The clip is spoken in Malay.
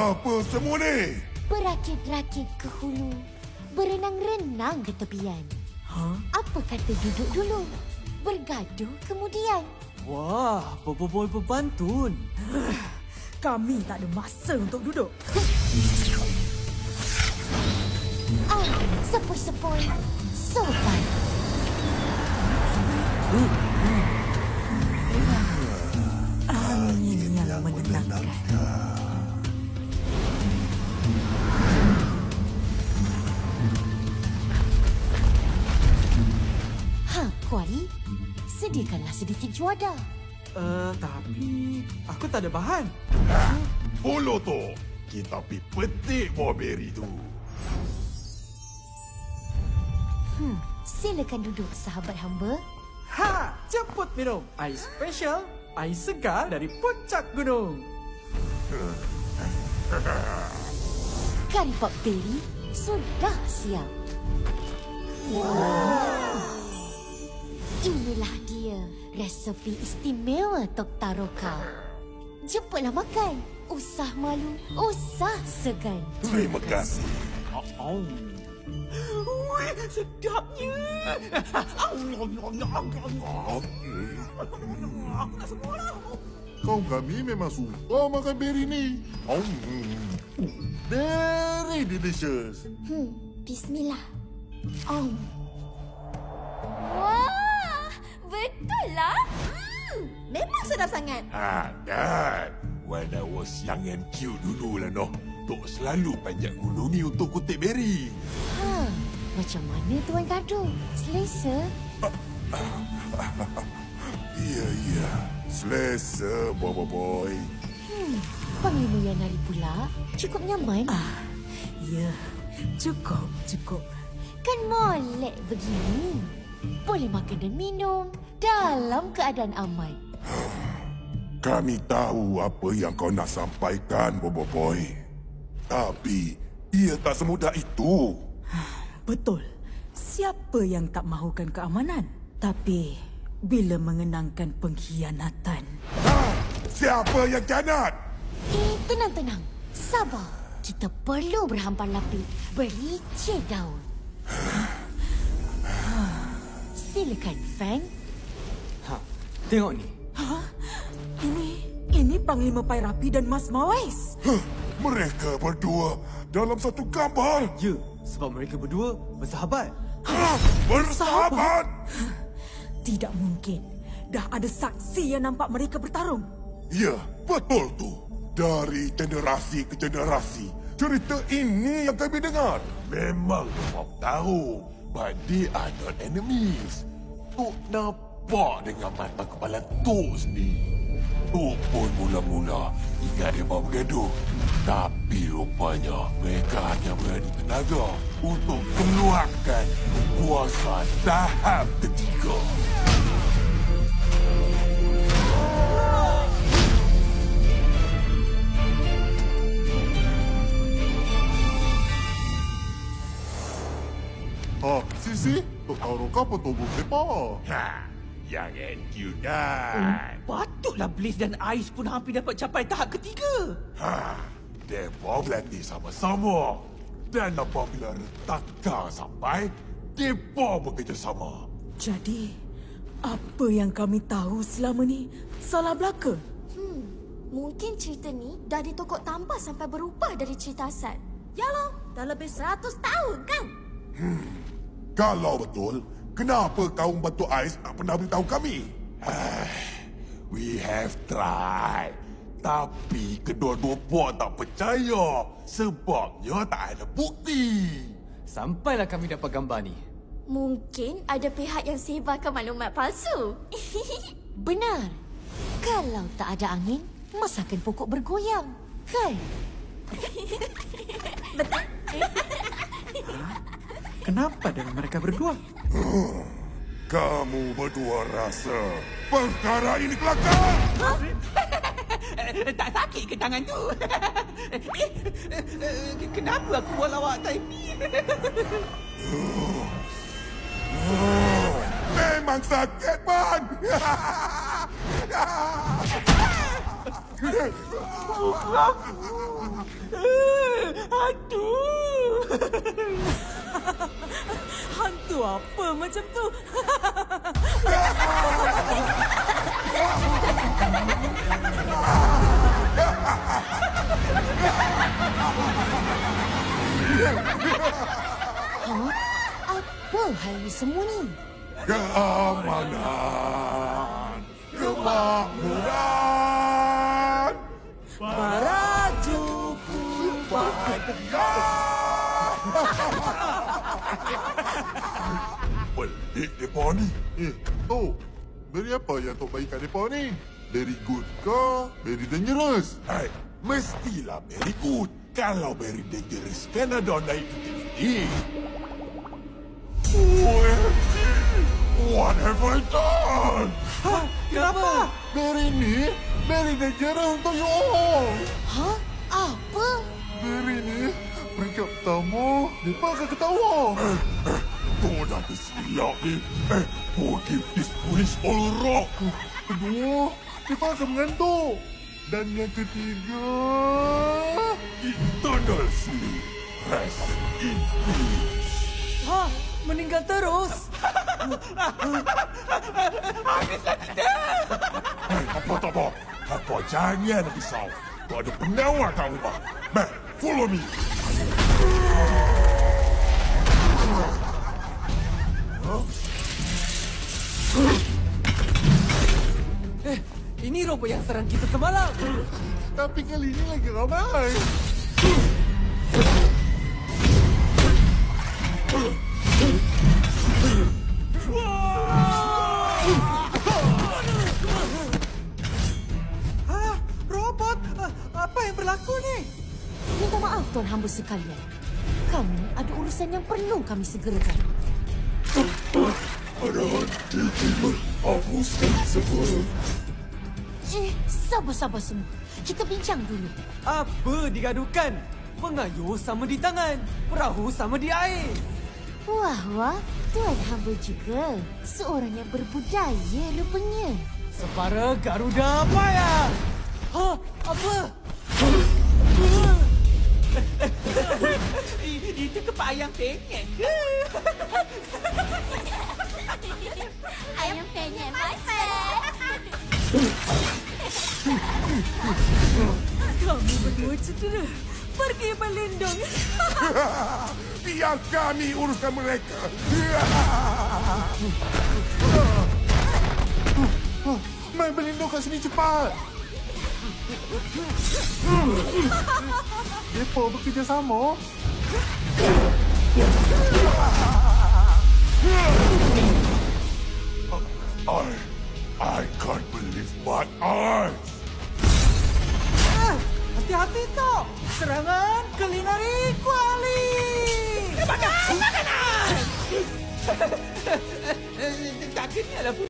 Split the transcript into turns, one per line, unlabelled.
Apa semua ni?
Berakit-rakit ke hulu, berenang-renang ke tepian. Apa kata duduk dulu, bergaduh kemudian?
Wah, Boboiboy berbantun.
Kami tak ada masa untuk duduk.
Sepoi-sepoi, sopan.
Angin yang menenangkan.
Kuali, sediakanlah sedikit juada.
Tapi aku tak ada bahan.
Follow tu. Kita pergi petik buah beri tu.
Silakan duduk, sahabat hamba.
Ha! Ceput minum. Air special, air segar dari puncak gunung.
Kari pop beri sudah siap. Inilah dia resepi istimewa Tok Taroka. Cepatlah makan. Usah malu, usah segan.
Terima kasih.
Ui, sedapnya.
Kaum kami memang suka makan beri ni. Very delicious.
Bismillah.
Wah, betul lah. Memang sedap sangat.
Dan when I was young and cute dulu lah noh. Tok selalu panjat gunung ni untuk kutip beri.
Macam mana Tuan Kadu? Selesa?
Ya. Selesa, boy.
Panglima yang nari pula cukup nyaman.
Ya, cukup.
Kan molek begini. Boleh makan dan minum dalam keadaan aman.
Kami tahu apa yang kau nak sampaikan, boy. Tapi ia tak semudah itu.
Betul. Siapa yang tak mahukan keamanan? Tapi bila mengenangkan pengkhianatan.
Siapa yang kianat?
Tenang. Sabar. Kita perlu berhampar-lapik. Bericik daun. Silakan, Fang.
Tengok ni.
Ini Panglima Pairapi dan Mas Mawais.
Mereka berdua dalam satu gambar.
Ya, sebab mereka berdua bersahabat.
Bersahabat?
Tidak mungkin. Dah ada saksi yang nampak mereka bertarung.
Ya, betul tu. Dari generasi ke generasi, cerita ini yang kami dengar. Memang Tok tahu, but they are not enemies. Tok nampak dengan mata kepala Tok sendiri. Tok pun mula-mula ingat dia bawa bergaduh. Tapi rupanya mereka hanya berani tenaga untuk keluarkan kuasa tahap ketiga. Sisi, Tok Taroka betul sepa. Yang cute kan?
Patutlah Blaze dan Ais pun hampir dapat capai tahap ketiga.
Mereka berlatih sama-sama. Dan apabila retakan sampai, mereka bekerjasama.
Jadi, apa yang kami tahu selama ni salah belaka?
Mungkin cerita ni dah ditokok tambah sampai berubah dari cerita asal. Yalah, dah lebih 100 tahun kan?
Kalau betul, kenapa kaum Batu Ais tak pernah beritahu kami? We have tried. Tapi kedua-dua puak tak percaya. Sebabnya tak ada bukti.
Sampailah kami dapat gambar ni.
Mungkin ada pihak yang sebarkan maklumat palsu.
Benar. Kalau tak ada angin, masakan pokok bergoyang. Kan?
Kenapa dengan mereka berdua?
Kamu berdua rasa perkara ini kelakar?
Tak sakit ke tangan tu? Kenapa aku buat lawak time ni?
Memang sakit, Man!
Aduh. Hantu apa macam tu?
Apa hal ini semua ni?
Keamanan, kemakmuran.
Baraju
Pelik mereka ni. Tok, beri apa yang Tok bagikan mereka ni? Very good ke? Very dangerous? Mestilah very good. Kalau very dangerous, kan ada naik ini. OMG! What have I done?
Kenapa?
Very ni, very dangerous untuk you all.
Hah? Apa?
Very ni, peringkat pertama, mereka akan ketawa. Kau dah tersilap ni. Forgive this foolish old rock. Kedua, mereka akan mengantuk. Dan yang ketiga, eternal sleep. Rest in peace.
Ha, meninggal terus.
Apa tak apa? Apa jangan risau. Kau ada pengawal kat rumah. Man, follow me.
Ini robot yang serang kita semalam.
Tapi kali ini lagi ramai.
Robot? Apa yang berlaku ni?
Minta maaf Tuan Hamba sekalian. Kami ada urusan yang perlu kami segerakan.
Ada hati hapuskan semua.
Sabar-sabar semua. Kita bincang dulu.
Apa digaduhkan? Mengayuh sama di tangan, perahu sama di air.
Wah, Tuan Hamba juga seorang yang berbudaya rupanya.
Separa Garuda Maya. Ha, apa?
Itu kepak ayam penyet ke?
Ayam penyet, my friend.
Kami berdua cedera. Pergi berlindung.
Biar kami uruskan mereka. Main berlindung kat sini cepat. Mereka bekerjasama. I can't believe my eyes.
Hati-hati Tok. Serangan kulineri kuali. Makanan! Tak kenyal lah